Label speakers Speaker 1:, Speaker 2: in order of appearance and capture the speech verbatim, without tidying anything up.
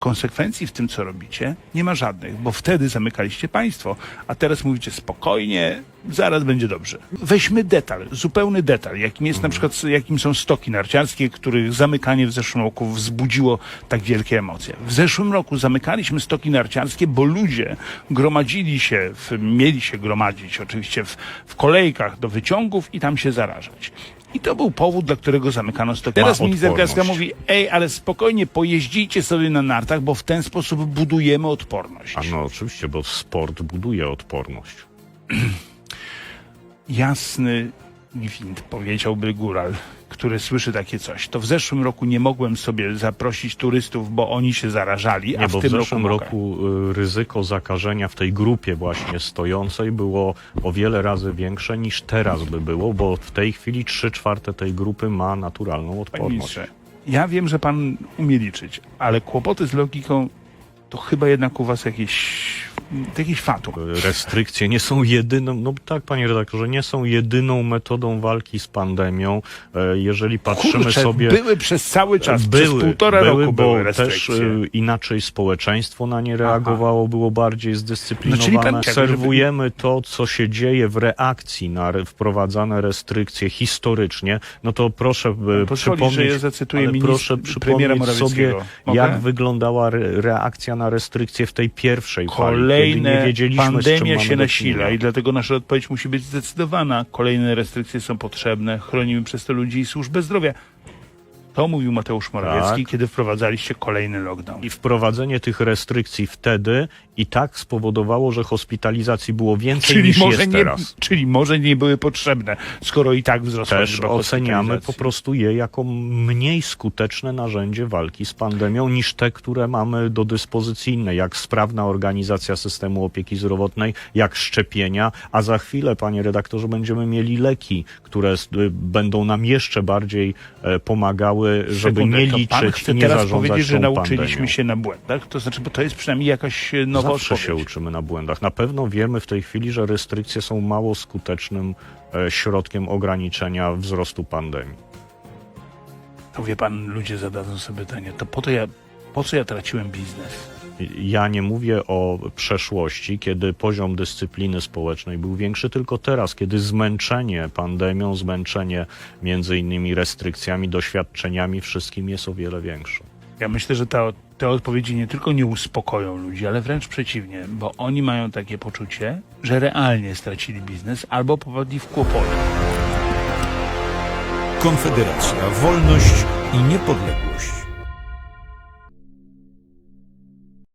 Speaker 1: konsekwencji w tym, co robicie, nie ma żadnych, bo wtedy zamykaliście państwo, a teraz mówicie spokojnie, zaraz będzie dobrze. Weźmy detal, zupełny detal, jakim jest na przykład, jakim są stoki narciarskie, których zamykanie w zeszłym roku wzbudziło tak wielkie emocje. W zeszłym roku zamykaliśmy stoki narciarskie, bo ludzie gromadzili się, w, mieli się gromadzić oczywiście w, w kolejkach do wyciągów i tam się zarażać. I to był powód, dla którego zamykano stoki. Teraz minister Kraska mówi, ej, ale spokojnie, pojeździcie sobie na nartach, bo w ten sposób budujemy odporność.
Speaker 2: A no oczywiście, bo sport buduje odporność.
Speaker 1: Jasny gwint, powiedziałby góral, który słyszy takie coś. To w zeszłym roku nie mogłem sobie zaprosić turystów, bo oni się zarażali, a
Speaker 2: Nie,
Speaker 1: w
Speaker 2: bo
Speaker 1: tym
Speaker 2: w zeszłym
Speaker 1: roku,
Speaker 2: roku y, ryzyko zakażenia w tej grupie właśnie stojącej było o wiele razy większe niż teraz by było, bo w tej chwili trzy czwarte tej grupy ma naturalną
Speaker 1: Panie
Speaker 2: odporność.
Speaker 1: ministrze, ja wiem, że pan umie liczyć, ale kłopoty z logiką to chyba jednak u was jakieś, jakieś fatum.
Speaker 2: Restrykcje nie są jedyną, no tak, panie redaktorze, nie są jedyną metodą walki z pandemią. E, Jeżeli patrzymy
Speaker 1: Kurczę,
Speaker 2: sobie...
Speaker 1: były przez cały czas,
Speaker 2: były,
Speaker 1: przez półtora
Speaker 2: były,
Speaker 1: roku
Speaker 2: bo
Speaker 1: były
Speaker 2: też
Speaker 1: restrykcje.
Speaker 2: e, inaczej społeczeństwo na nie reagowało, było bardziej zdyscyplinowane.
Speaker 1: No, czyli pan-
Speaker 2: Obserwujemy to, co się dzieje w reakcji na re, wprowadzane restrykcje historycznie. No to proszę e,
Speaker 1: pozwoli,
Speaker 2: przypomnieć,
Speaker 1: że ja zacytuję
Speaker 2: ale
Speaker 1: ministra-
Speaker 2: proszę
Speaker 1: premiera
Speaker 2: przypomnieć sobie,
Speaker 1: Morawieckiego. Mogę?
Speaker 2: jak wyglądała re, reakcja na restrykcje w tej pierwszej fali, kiedy
Speaker 1: Kolejne
Speaker 2: nie wiedzieliśmy, z czym
Speaker 1: pandemia
Speaker 2: mamy
Speaker 1: się
Speaker 2: do
Speaker 1: nasila
Speaker 2: czynienia.
Speaker 1: i dlatego nasza odpowiedź musi być zdecydowana. Kolejne restrykcje są potrzebne. Chronimy przez to ludzi i służbę zdrowia. To mówił Mateusz Morawiecki,
Speaker 2: Tak.
Speaker 1: kiedy wprowadzaliście kolejny lockdown.
Speaker 2: I wprowadzenie tych restrykcji wtedy i tak spowodowało, że hospitalizacji było więcej
Speaker 1: Czyli
Speaker 2: niż
Speaker 1: może,
Speaker 2: jest
Speaker 1: nie,
Speaker 2: teraz.
Speaker 1: czyli może nie były potrzebne, skoro i tak wzrosła
Speaker 2: Też
Speaker 1: liczba
Speaker 2: oceniamy po
Speaker 1: hospitalizacji.
Speaker 2: prostu je jako mniej skuteczne narzędzie walki z pandemią niż te, które mamy do dyspozycji inne, jak sprawna organizacja systemu opieki zdrowotnej, jak szczepienia, a za chwilę, panie redaktorze, będziemy mieli leki, które s- y, będą nam jeszcze bardziej e, pomagały, żeby
Speaker 1: Sekundę,
Speaker 2: nie
Speaker 1: to pan
Speaker 2: liczyć
Speaker 1: chce
Speaker 2: i nie
Speaker 1: teraz
Speaker 2: zarządzać
Speaker 1: powiedzieć, że
Speaker 2: tą
Speaker 1: nauczyliśmy
Speaker 2: pandemią.
Speaker 1: się na błędach? To znaczy, bo to jest przynajmniej jakaś e, nowa
Speaker 2: Zawsze
Speaker 1: odpowiedź.
Speaker 2: się uczymy na błędach. Na pewno wiemy w tej chwili, że restrykcje są mało skutecznym e, środkiem ograniczenia wzrostu pandemii.
Speaker 1: To wie pan, ludzie zadadzą sobie pytanie, to po to ja, po co ja traciłem biznes?
Speaker 2: Ja nie mówię o przeszłości, kiedy poziom dyscypliny społecznej był większy, tylko teraz, kiedy zmęczenie pandemią, zmęczenie między innymi restrykcjami, doświadczeniami, wszystkim jest o wiele większe.
Speaker 1: Ja myślę, że ta, te odpowiedzi nie tylko nie uspokoją ludzi, ale wręcz przeciwnie, bo oni mają takie poczucie, że realnie stracili biznes albo popadli w kłopoty.
Speaker 3: Konfederacja, wolność i niepodległość.